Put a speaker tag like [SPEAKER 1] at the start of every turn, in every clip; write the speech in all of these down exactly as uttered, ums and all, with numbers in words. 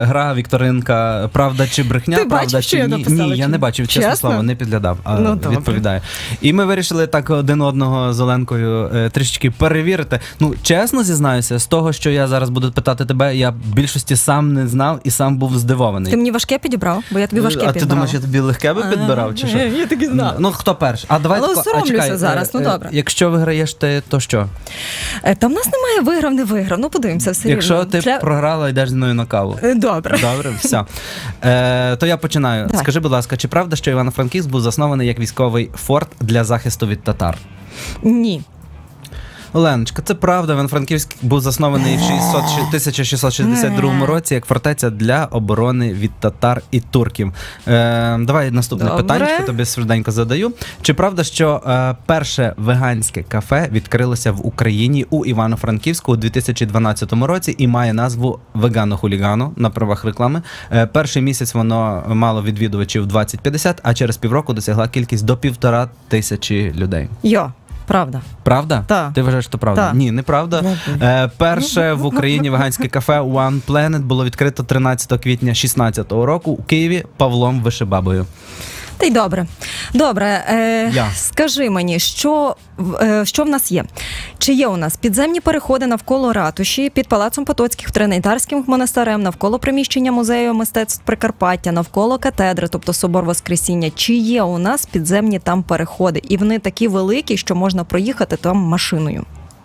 [SPEAKER 1] Гра, вікторинка, правда чи брехня,
[SPEAKER 2] Ти
[SPEAKER 1] правда
[SPEAKER 2] бачив,
[SPEAKER 1] чи
[SPEAKER 2] що я
[SPEAKER 1] ні.
[SPEAKER 2] написала,
[SPEAKER 1] Ні, я
[SPEAKER 2] чи
[SPEAKER 1] не
[SPEAKER 2] ні?
[SPEAKER 1] бачив, чесно,
[SPEAKER 2] Чесно?
[SPEAKER 1] слово, не підглядав, а
[SPEAKER 2] Ну, добре.
[SPEAKER 1] відповідаю. І ми вирішили так один одного з Оленкою е, трішечки перевірити. Ну, чесно зізнаюся, з того, що я зараз буду питати тебе, я в більшості сам не знав і сам був здивований.
[SPEAKER 2] Ти мені важке підібрав? Бо я тобі важке
[SPEAKER 1] А
[SPEAKER 2] підбирала.
[SPEAKER 1] ти думаєш, я тобі легке би підбирав, чи що?
[SPEAKER 2] Е, Я так і знала.
[SPEAKER 1] Ну, хто перший? А давай
[SPEAKER 2] Але
[SPEAKER 1] тако, а
[SPEAKER 2] соромлюся
[SPEAKER 1] чекай,
[SPEAKER 2] зараз, ну,
[SPEAKER 1] е, е,
[SPEAKER 2] добре.
[SPEAKER 1] Якщо виграєш ти, то що?
[SPEAKER 2] Е, Та в нас немає виграв, не виграв. Ну, подивимося все
[SPEAKER 1] Якщо
[SPEAKER 2] рівно.
[SPEAKER 1] ти
[SPEAKER 2] Для-
[SPEAKER 1] програла, йдеш зі мною на каву.
[SPEAKER 2] Е, Добре.
[SPEAKER 1] Добре, все. Е, то я починаю.
[SPEAKER 2] Давай.
[SPEAKER 1] Скажи, будь ласка, чи правда, що Івано-Франківськ був заснований як військовий форт для захисту від татар?
[SPEAKER 2] Ні.
[SPEAKER 1] Оленочка, це правда. Івано-Франківськ був заснований в шістсот тисяча шістсот шістдесят другому році як фортеця для оборони від татар і турків. Е, давай наступне
[SPEAKER 2] Добре.
[SPEAKER 1] питання, тобі швиденько задаю. Чи правда, що е, перше веганське кафе відкрилося в Україні у Івано-Франківську у дві тисячі дванадцятому році і має назву «Вегано-хулігано» на правах реклами? Е, перший місяць воно мало відвідувачів двадцять п'ятдесят, а через півроку досягла кількість до півтора тисячі людей.
[SPEAKER 2] Йо, правда.
[SPEAKER 1] Правда?
[SPEAKER 2] Так.
[SPEAKER 1] Ти вважаєш, що правда?
[SPEAKER 2] Так.
[SPEAKER 1] Ні, неправда. Е, перше в Україні веганське кафе One Planet було відкрито тринадцятого квітня шістнадцятого року у Києві Павлом Вишебабою.
[SPEAKER 2] Та й добре. Добре, е,
[SPEAKER 1] Я.
[SPEAKER 2] скажи мені, що, в- е, що в нас є? Чи є у нас підземні переходи навколо ратуші, під Палацом Потоцьких, Тринайдарським монастирем, навколо приміщення музею мистецтв Прикарпаття, навколо катедри, тобто Собор Воскресіння? Чи є у нас підземні там переходи? І вони такі великі, що можна проїхати там машиною?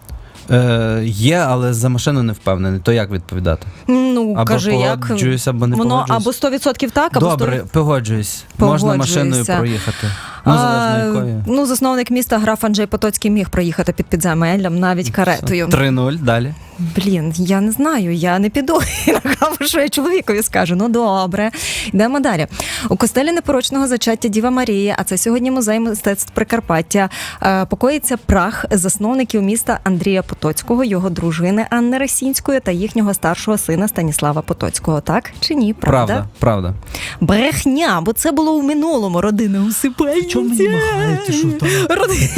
[SPEAKER 1] Е, є, але за машину не впевнений. То як відповідати?
[SPEAKER 2] Ну,
[SPEAKER 1] Або
[SPEAKER 2] кажи, як?
[SPEAKER 1] погоджуюсь, або не
[SPEAKER 2] Воно
[SPEAKER 1] погоджуюсь.
[SPEAKER 2] або сто відсотків так, або
[SPEAKER 1] Добре,
[SPEAKER 2] сто...
[SPEAKER 1] погоджуюсь. Можна машиною
[SPEAKER 2] Погоджуюся.
[SPEAKER 1] проїхати. Ну, залежно якою.
[SPEAKER 2] Ну, засновник міста граф Анджей Потоцький міг проїхати під підземеллям, навіть каретою.
[SPEAKER 1] три нуль, далі.
[SPEAKER 2] Блін, я не знаю, я не піду на каву, що я чоловікові скажу. Ну, добре. Йдемо далі. У костелі непорочного зачаття Діва Марії, а це сьогодні музей мистецтв Прикарпаття, е, покоїться прах засновників міста Андрія Потоцького, його дружини Анни Росінської та їхнього старшого сина Станіслава Потоцького. Так чи ні? Правда?
[SPEAKER 1] Правда, правда.
[SPEAKER 2] Брехня, бо це було у минулому. Родина усипальниця.
[SPEAKER 1] Чому мені махаєте, що там?
[SPEAKER 2] Родина.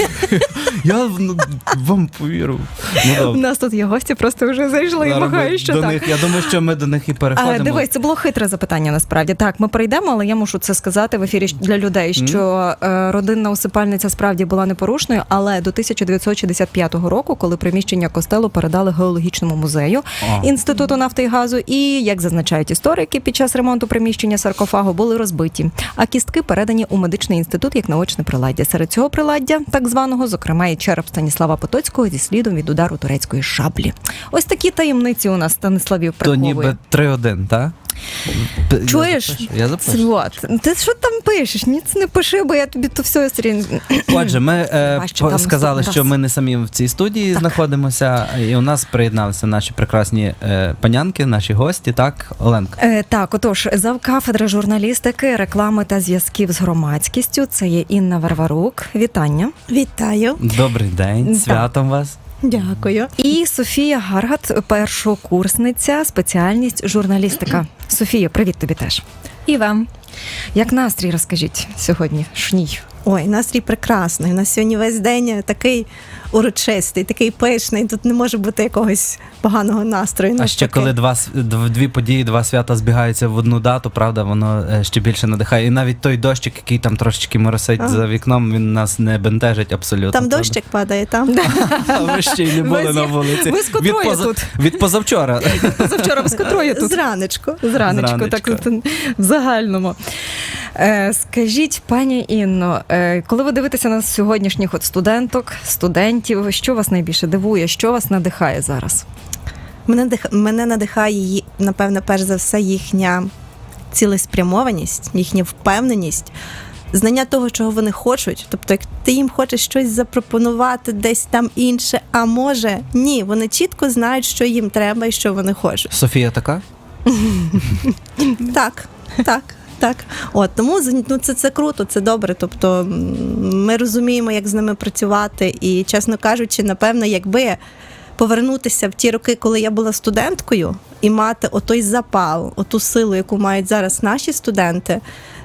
[SPEAKER 1] Я ну, вам повірив. Ну,
[SPEAKER 2] У
[SPEAKER 1] добре.
[SPEAKER 2] нас тут є гості, просто вже зайшли і
[SPEAKER 1] Зараз ми
[SPEAKER 2] махають, що
[SPEAKER 1] до
[SPEAKER 2] так.
[SPEAKER 1] них, я думаю, що ми до них і переходимо.
[SPEAKER 2] А, дивись, це було хитре запитання насправді. Так, ми перейдемо, але я мушу це сказати в ефірі для людей, що е, родинна усипальниця справді була непорушною, але до тисяча дев'ятсот шістдесят п'ятого року, коли приміщення костелу передали геологічному музею
[SPEAKER 1] О.
[SPEAKER 2] Інституту нафти і газу, і, як зазначають історики, під час ремонту приміщення саркофагу були розбиті, а кістки передані у медичний інститут як наочне приладдя. Серед цього приладдя, так званого, зокрема, і череп Станіслава Потоцького зі слідом від удару турецької шаблі. Ось такі таємниці у нас Станиславів
[SPEAKER 1] То
[SPEAKER 2] приховує.
[SPEAKER 1] ніби три один, так? П-
[SPEAKER 2] Чуєш?
[SPEAKER 1] Я запишу. Я запишу.
[SPEAKER 2] От. Ти що там пишеш? Ні, це не пиши, бо я тобі то все стрін.
[SPEAKER 1] Отже, ми е,
[SPEAKER 2] Бачу,
[SPEAKER 1] по-
[SPEAKER 2] там
[SPEAKER 1] сказали,
[SPEAKER 2] наступний
[SPEAKER 1] що
[SPEAKER 2] раз.
[SPEAKER 1] ми не самі в цій студії знаходимося, і у нас приєдналися наші прекрасні е, панянки, наші гості, так, Оленка?
[SPEAKER 2] Е, так, отож, завкафедри журналістики, реклами та зв'язків з громадськістю. Це є Інна Варварук. Вітання.
[SPEAKER 3] Вітаю,
[SPEAKER 1] Добрий день,
[SPEAKER 2] Так.
[SPEAKER 1] святом вас.
[SPEAKER 3] дякую.
[SPEAKER 2] І Софія Гаргат, першокурсниця, спеціальність журналістика. Софія, привіт тобі теж.
[SPEAKER 3] І вам.
[SPEAKER 2] Як настрій, розкажіть сьогодні? Шній.
[SPEAKER 3] Ой, настрій прекрасний. У нас сьогодні весь день такий урочистий, такий пишний. Тут не може бути якогось поганого настрою.
[SPEAKER 1] А ще
[SPEAKER 3] навпаки.
[SPEAKER 1] коли два, с- дв- дві події, два свята збігаються в одну дату, правда, воно е, ще більше надихає. І навіть той дощик, який там трошечки моросить
[SPEAKER 3] Ага.
[SPEAKER 1] за вікном, він нас не бентежить абсолютно.
[SPEAKER 3] Там
[SPEAKER 1] правда?
[SPEAKER 3] дощик падає, там.
[SPEAKER 1] А ви ще й не були
[SPEAKER 2] Ви з-
[SPEAKER 1] на вулиці.
[SPEAKER 2] ви з котрої
[SPEAKER 1] від,
[SPEAKER 2] тут?
[SPEAKER 1] від позавчора.
[SPEAKER 2] Завчора без котрої тут?
[SPEAKER 3] Зранечку.
[SPEAKER 2] Зранечку,
[SPEAKER 1] Зранечку.
[SPEAKER 2] так от, в загальному. Е, скажіть, пані Інно, е, коли ви дивитеся на сьогоднішніх от студенток, студентів, що вас найбільше дивує, що вас надихає зараз?
[SPEAKER 3] Мене, дих- мене надихає, ї- напевно, перш за все, їхня цілеспрямованість, їхня впевненість, знання того, чого вони хочуть. Тобто, як ти їм хочеш щось запропонувати десь там інше, а може, ні, вони чітко знають, що їм треба і що вони хочуть.
[SPEAKER 1] Софія така?
[SPEAKER 3] Так, так. Так, от тому ну, це, це круто, це добре. Тобто м, ми розуміємо, як з ними працювати. І, чесно кажучи, напевно, якби повернутися в ті роки, коли я була студенткою, і мати отой запал, оту силу, яку мають зараз наші студенти,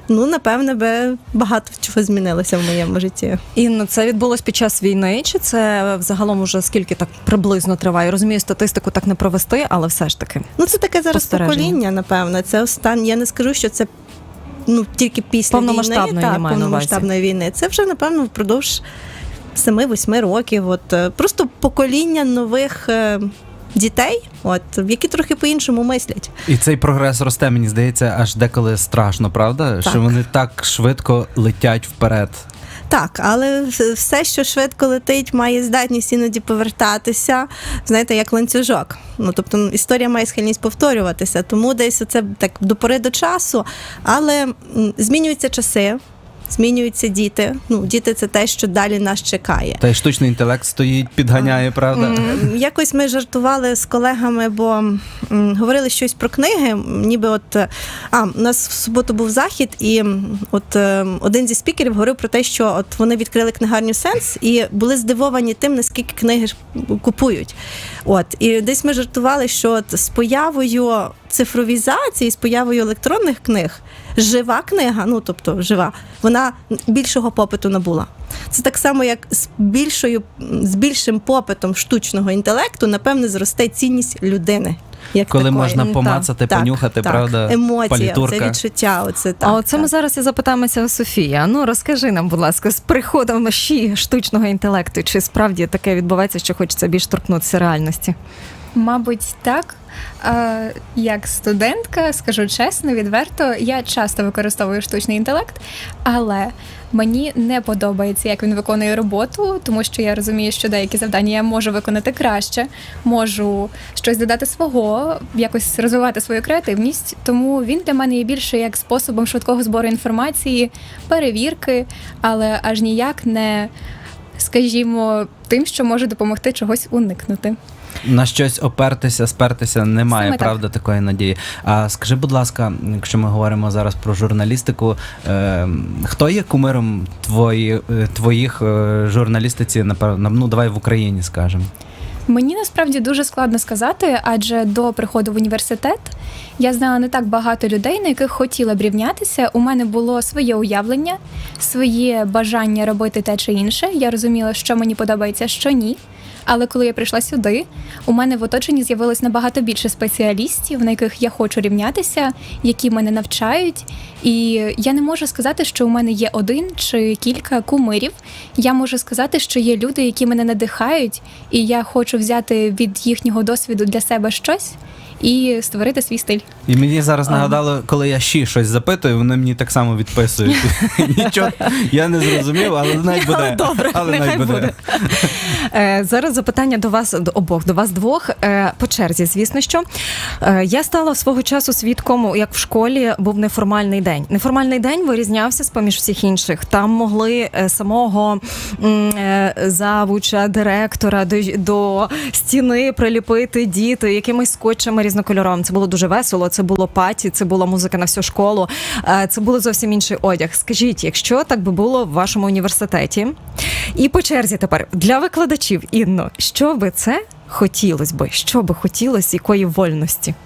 [SPEAKER 3] ну, напевне, би багато чого змінилося в моєму житті.
[SPEAKER 2] Інно, це відбулось під час війни, чи це взагалом уже скільки так приблизно триває? Розумію, статистику так не провести, але все ж таки.
[SPEAKER 3] Ну, це таке зараз
[SPEAKER 2] Спостереження.
[SPEAKER 3] покоління, напевно. Це останнє. Я не скажу, що це ну, тільки після війни,
[SPEAKER 2] Повномасштабної
[SPEAKER 3] так,
[SPEAKER 2] немає на увазі.
[SPEAKER 3] повномасштабної війни. Це вже, напевно, впродовж семи-восьми років. От, е, просто покоління нових е, дітей, от, які трохи по-іншому мислять.
[SPEAKER 1] І цей прогрес росте, мені здається, аж деколи страшно, правда?
[SPEAKER 3] Так.
[SPEAKER 1] Що вони так швидко летять вперед.
[SPEAKER 3] Так, але все, що швидко летить, має здатність іноді повертатися, знаєте, як ланцюжок. Ну, тобто історія має схильність повторюватися, тому десь це так до пори до часу, але м, змінюються часи, змінюються діти. Ну, діти – це те, що далі нас чекає.
[SPEAKER 1] Та й штучний інтелект стоїть, підганяє, правда?
[SPEAKER 3] М, Якось ми жартували з колегами, бо м, говорили щось про книги, м, ніби от, е, а, у нас в суботу був захід, і м, от е, один зі спікерів говорив про те, що от вони відкрили книгарню «Сенс» і були здивовані тим, наскільки книги ж купують. От, і десь ми жартували, що от з появою цифровізації, з появою електронних книг, жива книга, ну, тобто жива, вона більшого попиту набула. Це так само, як з більшою, з більшим попитом штучного інтелекту, напевне, зросте цінність людини. Як
[SPEAKER 1] Коли
[SPEAKER 3] такої.
[SPEAKER 1] можна
[SPEAKER 2] Так,
[SPEAKER 1] помацати,
[SPEAKER 3] Так,
[SPEAKER 1] понюхати,
[SPEAKER 3] так.
[SPEAKER 1] правда?
[SPEAKER 3] Емоція,
[SPEAKER 1] палітурка.
[SPEAKER 3] це відчуття. Оце, так,
[SPEAKER 2] А оце ми
[SPEAKER 3] так.
[SPEAKER 2] зараз і запитаємося у Софії. А ну розкажи нам, будь ласка, з приходом ночі штучного інтелекту, чи справді таке відбувається, що хочеться більш торкнутися реальності?
[SPEAKER 4] Мабуть, так. Е, Як студентка, скажу чесно, відверто, я часто використовую штучний інтелект, але мені не подобається, як він виконує роботу, тому що я розумію, що деякі завдання я можу виконати краще, можу щось додати свого, якось розвивати свою креативність. Тому він для мене є більше як способом швидкого збору інформації, перевірки, але аж ніяк не, скажімо, тим, що може допомогти чогось уникнути.
[SPEAKER 1] На щось опертися, спертися немає,
[SPEAKER 4] Саме так.
[SPEAKER 1] правда, такої надії. А скажи, будь ласка, якщо ми говоримо зараз про журналістику, е, хто є кумиром твої, е, твоїх е, журналістиці, напевно, ну давай в Україні скажемо?
[SPEAKER 4] Мені насправді дуже складно сказати, адже до приходу в університет я знала не так багато людей, на яких хотіла б рівнятися. У мене було своє уявлення, своє бажання робити те чи інше. Я розуміла, що мені подобається, що ні. Але коли я прийшла сюди, у мене в оточенні з'явилось набагато більше спеціалістів, на яких я хочу рівнятися, які мене навчають. І я не можу сказати, що у мене є один чи кілька кумирів. Я можу сказати, що є люди, які мене надихають, і я хочу взяти від їхнього досвіду для себе щось і створити свій стиль.
[SPEAKER 1] І мені зараз нагадало, коли я ще щось запитую, вони мені так само відписують. Нічого, я не зрозумів, але навіть буде.
[SPEAKER 2] Добре,
[SPEAKER 1] але
[SPEAKER 2] нехай
[SPEAKER 1] навіть буде.
[SPEAKER 2] буде. Е, Зараз запитання до вас до обох, до вас двох е, по черзі. Звісно, що Е, я стала свого часу свідком, як в школі був неформальний день. Неформальний день вирізнявся з поміж всіх інших. Там могли е, самого м, е, завуча, директора до, до стіни приліпити діти якимись скотчами різнокольоровими. Це було дуже весело. Це було паті, це була музика на всю школу. Е, Це було зовсім інший одяг. Скажіть, якщо так би було в вашому університеті, і по черзі тепер для викладачів, Інно, що би це хотілося би? Що би хотілося, якої вольності?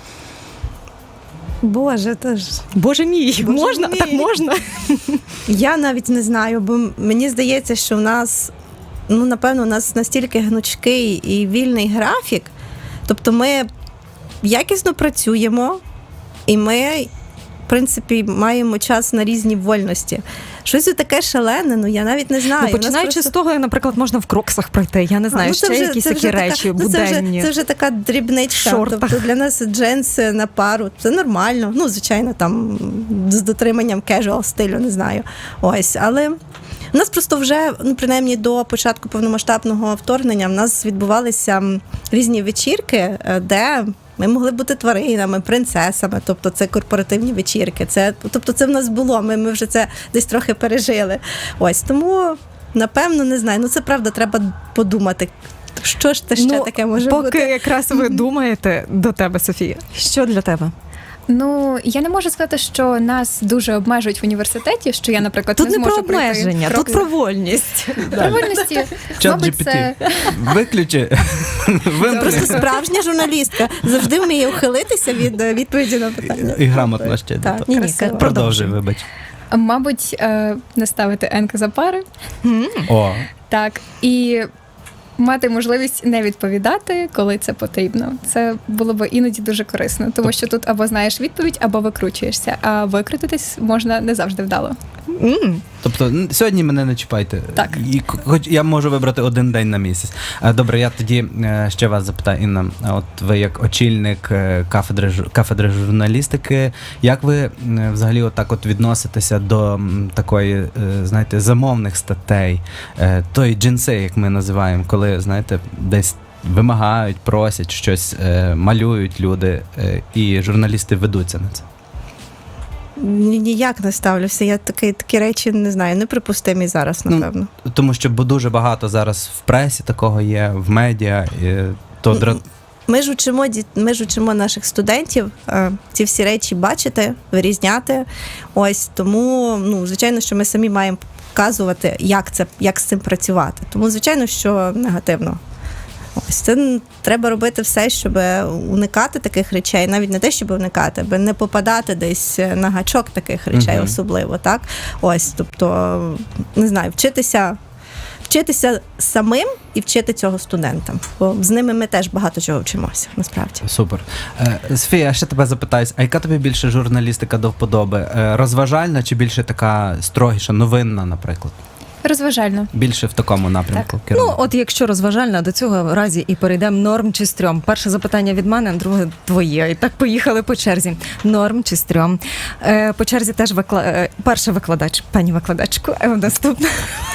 [SPEAKER 3] Боже, то ж.
[SPEAKER 2] Боже мій,
[SPEAKER 3] Боже
[SPEAKER 2] можна?
[SPEAKER 3] мій.
[SPEAKER 2] Так можна?
[SPEAKER 3] Я навіть не знаю, бо мені здається, що в нас, ну, напевно, у нас настільки гнучкий і вільний графік. Тобто ми якісно працюємо, і ми, в принципі, маємо час на різні вольності. Щось таке шалене, ну я навіть не знаю.
[SPEAKER 2] Ну,
[SPEAKER 3] У нас
[SPEAKER 2] починаючи
[SPEAKER 3] просто-
[SPEAKER 2] з того, наприклад, можна в кроксах пройти. Я не знаю,
[SPEAKER 3] Ну,
[SPEAKER 2] ще
[SPEAKER 3] це вже-
[SPEAKER 2] якісь
[SPEAKER 3] це
[SPEAKER 2] такі
[SPEAKER 3] вже така-
[SPEAKER 2] речі
[SPEAKER 3] ну, це вже,
[SPEAKER 2] буденні.
[SPEAKER 3] це вже така дрібничка.
[SPEAKER 2] Шортах.
[SPEAKER 3] Тобто для нас джинси на пару це нормально. Ну, звичайно, там з дотриманням casual стилю, не знаю. Ось, але у нас просто вже, ну, принаймні до початку повномасштабного вторгнення, в нас відбувалися м, різні вечірки, е, де ми могли бути тваринами, принцесами, тобто це корпоративні вечірки. Це, тобто це в нас було, ми, ми вже це десь трохи пережили. Ось, тому, напевно, не знаю. Ну, це правда, треба подумати, що ж це ще
[SPEAKER 2] Ну,
[SPEAKER 3] таке може
[SPEAKER 2] поки
[SPEAKER 3] бути.
[SPEAKER 2] якраз ви думаєте, до тебе, Софія, що для тебе?
[SPEAKER 4] Ну, я не можу сказати, що нас дуже обмежують в університеті, що я, наприклад,
[SPEAKER 2] Тут
[SPEAKER 4] не
[SPEAKER 2] не про
[SPEAKER 4] зможу пройти
[SPEAKER 2] обмеження,
[SPEAKER 4] крок
[SPEAKER 2] тут про вольність.
[SPEAKER 4] Про вольності.
[SPEAKER 1] Чат
[SPEAKER 4] Мабуть,
[SPEAKER 1] джі пі ті.
[SPEAKER 4] це
[SPEAKER 1] Виключи. Вимкни.
[SPEAKER 3] Просто справжня журналістка завжди вміє ухилитися від е, відповіді на питання.
[SPEAKER 1] І грамотно ще. до
[SPEAKER 3] Так,
[SPEAKER 1] того.
[SPEAKER 3] ні, ні,
[SPEAKER 2] Красиво.
[SPEAKER 3] ка-
[SPEAKER 1] Продовжуй, вибач.
[SPEAKER 4] мабуть, е, не ставити енки за пари.
[SPEAKER 1] О,
[SPEAKER 4] Так, і мати можливість не відповідати, коли це потрібно. Це було б іноді дуже корисно, тому що тут або знаєш відповідь, або викручуєшся, а викрутитись можна не завжди вдало.
[SPEAKER 2] М.
[SPEAKER 1] тобто н- сьогодні мене не чіпайте.
[SPEAKER 4] Так.
[SPEAKER 1] І к- хоч я можу вибрати один день на місяць. Е, Добре, я тоді е, ще вас запитаю, Інна. А От ви як очільник е, кафедри, жу- кафедри журналістики, як ви е, взагалі отак от відноситеся до м, такої, е, знаєте, замовних статей, е, тої джинси, як ми називаємо, коли, знаєте, десь вимагають, просять щось, е, малюють люди, е, і журналісти ведуться на це?
[SPEAKER 3] Ні- Ніяк не ставлюся. Я такі, такі речі не знаю, неприпустимі зараз,
[SPEAKER 1] Ну,
[SPEAKER 3] напевно.
[SPEAKER 1] Тому що бо дуже багато зараз в пресі такого є, в медіа, і то дра...
[SPEAKER 3] Ми ж учимо діт- ми ж учимо наших студентів е, ці всі речі бачити, вирізняти. Ось тому, ну звичайно, що ми самі маємо показувати, як це як з цим працювати. Тому, звичайно, що негативно. Ось це н- треба робити все, щоб уникати таких речей, навіть не те, щоб уникати, аби не попадати десь на гачок таких речей,
[SPEAKER 1] Мгм.
[SPEAKER 3] особливо, так? Ось, тобто, не знаю, вчитися. Вчитися самим і вчити цього студентам, бо з ними ми теж багато чого вчимося, насправді.
[SPEAKER 1] Супер. Е, Софія, я ще тебе запитаюсь, а яка тобі більше журналістика до вподоби? Е, Розважальна чи більше така строгіша, новинна, наприклад?
[SPEAKER 4] Розважально.
[SPEAKER 1] Більше в такому напрямку
[SPEAKER 2] Ну,
[SPEAKER 1] керує?
[SPEAKER 2] от якщо розважальна, до цього разі і перейдемо норм чи стрьом. Перше запитання від мене, друге твоє. І так поїхали по черзі. Норм чи стрьом. Е, по черзі теж викла... е, перший викладач, пані викладачку, е, наступна.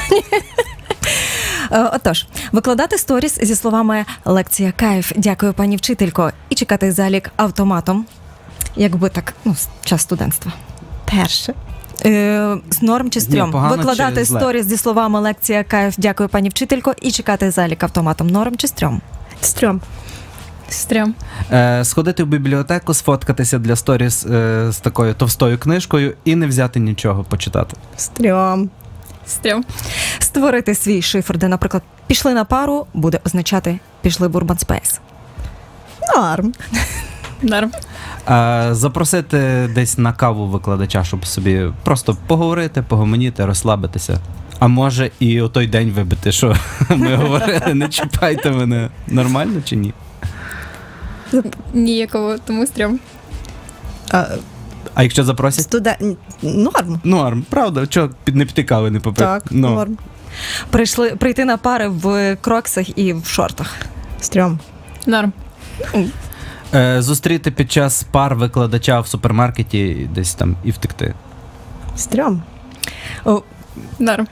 [SPEAKER 2] Е, Отож, викладати сторіс зі словами «лекція кайф, дякую, пані вчителько» і чекати залік автоматом, якби так, ну, час студентства.
[SPEAKER 3] Перше.
[SPEAKER 2] Е, з норм чи стрьом.
[SPEAKER 1] погано
[SPEAKER 2] Викладати
[SPEAKER 1] чи зле?
[SPEAKER 2] сторіс зі словами «лекція кайф, дякую, пані вчителько» і чекати залік автоматом. Норм чи стрьом?
[SPEAKER 3] Стрьом.
[SPEAKER 4] Стрьом.
[SPEAKER 1] Е, Сходити в бібліотеку, сфоткатися для сторіс е, з такою товстою книжкою і не взяти нічого почитати.
[SPEAKER 3] Стрьом.
[SPEAKER 4] Стрьом.
[SPEAKER 2] Створити свій шифр, де, наприклад, пішли на пару, буде означати пішли в Urban Space.
[SPEAKER 3] Норм.
[SPEAKER 4] Норм.
[SPEAKER 1] Е, Запросити десь на каву викладача, щоб собі просто поговорити, погомоніти, розслабитися. А може і у той день вибити, що ми говорили, не чіпайте мене. Нормально чи ні?
[SPEAKER 4] Ніякого, тому стрьом.
[SPEAKER 3] А,
[SPEAKER 1] А якщо запросять?
[SPEAKER 3] студент... Норм.
[SPEAKER 1] Норм, правда, чого під не піти кави не попити?
[SPEAKER 3] Так,
[SPEAKER 1] Ну.
[SPEAKER 3] норм.
[SPEAKER 2] Прийшли прийти на пари в кроксах і в шортах.
[SPEAKER 3] Стрьом.
[SPEAKER 4] Норм.
[SPEAKER 1] Е, зустріти під час пар викладача в супермаркеті і десь там і втекти.
[SPEAKER 3] Стрьом.
[SPEAKER 2] О,
[SPEAKER 4] Норм.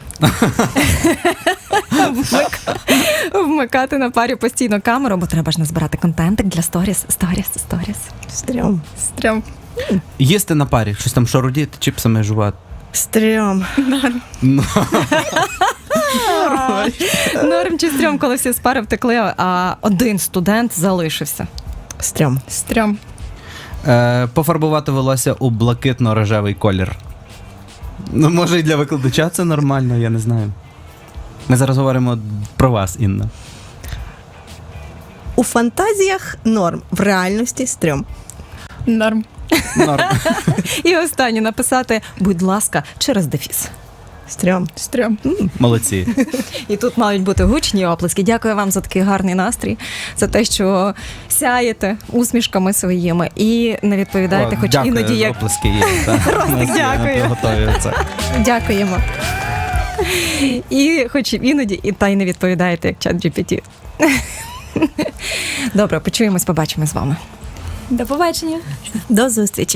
[SPEAKER 2] вмик- Вмикати на парі постійно камеру, бо треба ж назбирати контентик для сторіс, сторіс, сторіс.
[SPEAKER 3] Стрьом.
[SPEAKER 4] Стрьом.
[SPEAKER 1] Їсти на парі, щось там шарудіти, чіпсами жувати.
[SPEAKER 3] Стрьом.
[SPEAKER 1] Ну,
[SPEAKER 2] Норм чи стрьом, коли всі з пари втекли, а один студент залишився.
[SPEAKER 3] Стрьом.
[SPEAKER 4] Стрьом.
[SPEAKER 1] е, пофарбувати волосся у блакитно-рожевий колір. Ну, може, і для викладача це нормально, я не знаю. Ми зараз говоримо про вас, Інна.
[SPEAKER 3] У фантазіях норм. В реальності стрьом.
[SPEAKER 4] Норм.
[SPEAKER 1] Норм.
[SPEAKER 2] І останнє написати, будь ласка, через дефіс.
[SPEAKER 3] Стрьом.
[SPEAKER 4] Стрьом.
[SPEAKER 1] Молодці.
[SPEAKER 2] І тут мають бути гучні оплески. Дякую вам за такий гарний настрій, за те, що сяєте усмішками своїми і не відповідаєте,
[SPEAKER 1] О,
[SPEAKER 2] хоч
[SPEAKER 1] дякую,
[SPEAKER 2] іноді як
[SPEAKER 1] оплески є. так. У нас є,
[SPEAKER 2] дякую.
[SPEAKER 1] ми готові це.
[SPEAKER 3] Дякуємо.
[SPEAKER 2] і хоч іноді, і та й не відповідаєте, як чат джі пі ті. Добре, почуємось, побачимо з вами.
[SPEAKER 4] До побачення.
[SPEAKER 3] До зустрічі.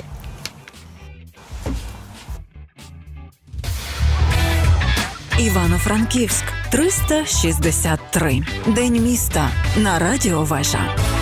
[SPEAKER 5] Івано-Франківськ триста шістдесят три. День міста на Радіо Вежа.